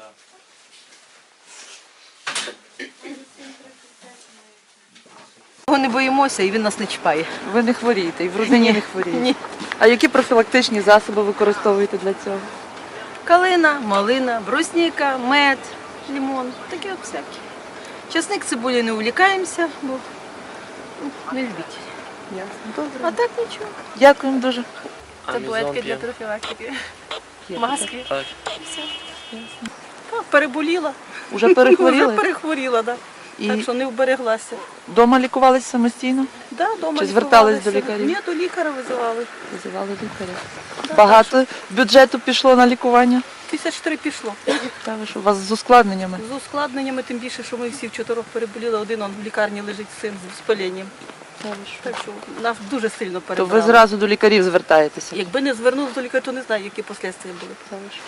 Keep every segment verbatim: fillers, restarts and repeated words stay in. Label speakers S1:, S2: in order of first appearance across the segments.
S1: Його не боїмося і він нас не чіпає.
S2: Ви не хворієте і в родині не хворієте?
S1: Ні.
S2: А які профілактичні засоби використовуєте для цього?
S1: Калина, малина, брусніка, мед, лимон, таке от всяке. Часник, цибулі не увлікаємося, бо ну, не любіть.
S2: Ясно. Добре.
S1: А так нічого.
S2: Дякуємо дуже.
S1: Таблетки для профілактики.
S2: Є.
S1: Маски.
S3: Так.
S1: Все. Так, переболіла.
S2: Уже перехворіли?
S1: Вже перехворіла, так.
S2: І
S1: Так що не вбереглася.
S2: вдома лікувалися самостійно?
S1: Да, дома
S2: Чи звертались до
S1: лікувалася.
S2: лікарів?
S1: Ні, до лікаря визивали.
S2: Визивали лікаря. Багато бюджету пішло на лікування?
S1: Тисяч три пішло.
S2: Та ви що, у вас з ускладненнями?
S1: З ускладненнями, тим більше, що ми всі в чотирьох переболіли, один он в лікарні лежить з цим з спаленням.
S2: Та ви що?
S1: Так що нас дуже сильно
S2: То
S1: перебрали.
S2: ви зразу до лікарів звертаєтеся?
S1: Якби не звернулися до лікаря, то не знаю, які послідствия були.
S2: Та ви що?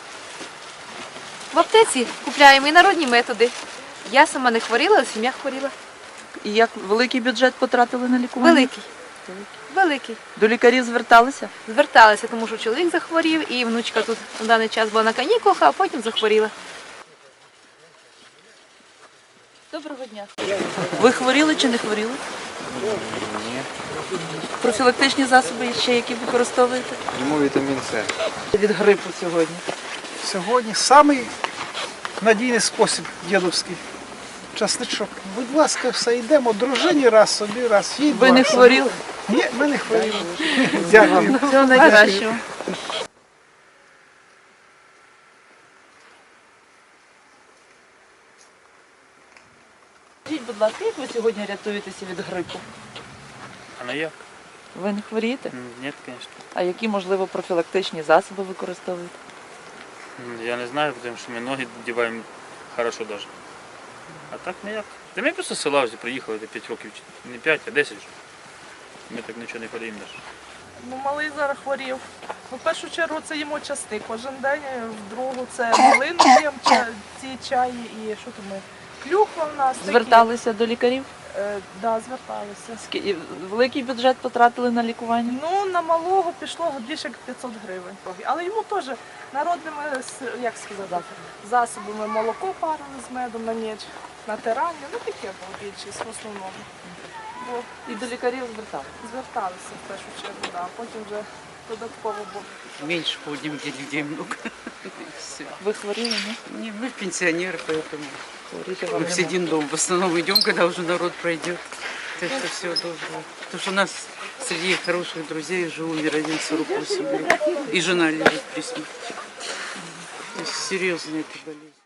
S4: В аптеці купляємо і народні методи. Я сама не хворіла, а сім'я хворіла.
S2: І як великий бюджет потратили на лікування?
S4: Великий. Великий.
S2: До лікарів зверталися?
S4: Зверталася, тому що чоловік захворів, і внучка тут на даний час була на канікулах, а потім захворіла.
S2: Доброго дня. Ви хворіли чи не хворіли?
S5: Ні.
S2: Профілактичні засоби ще які використовуєте?
S5: Йому вітамін С.
S2: Від грипу сьогодні.
S6: Сьогодні самий надійний спосіб дідовський. Часничок. Будь ласка, все, йдемо дружині раз собі, раз їй.
S2: Ви
S6: два
S2: не
S6: собі.
S2: хворіли?
S6: Ні, ми не хворіли. Дякую.
S2: Всього найкращого. Скажіть, будь ласка, як ви сьогодні рятуєтеся від грипу?
S3: А на як?
S2: Ви не хворієте?
S3: М, Ні, звісно.
S2: А які, можливо, профілактичні засоби використовуєте?
S3: М, Я не знаю, тому що ми ноги вдіваємо хорошо навіть. А так ніяк. Та ми просто з села вже приїхали до п'ять років, чи не п'ять, а десять вже. Ми так нічого не ходимо навіть.
S7: Ну, малий зараз хворів. Ну, в першу чергу це їмо часник кожен день, в другу це малину п'ємо, ча- ці чаї і що там ми? Клюква в нас. такі.
S2: Зверталися до лікарів?
S7: Е, да, зверталися.
S2: Ски- і Великий бюджет потратили на лікування?
S7: Ну, на малого пішло більше як п'ятсот гривень. Але йому теж народними, с- як сказати, засобами молоко парили з медом на ніч, натирання, ну таке було більшість в основному. Бо
S2: І до лікарів зверталися?
S7: зверталися в першу чергу, да, а потім вже додатково було.
S8: Меньше ходим, где людей много. И всё.
S2: Ви хворіли, ні?
S8: Не, мы пенсионеры, поэтому
S2: Хворіти
S8: мы
S2: вам
S8: в
S2: не
S8: один дом в основном идем, когда уже народ пройдет. Так что все доброго. Потому что у нас среди хороших друзей уже умер один сорок восемь лет. И жена лежит при смерти. То есть серьезная эта болезнь.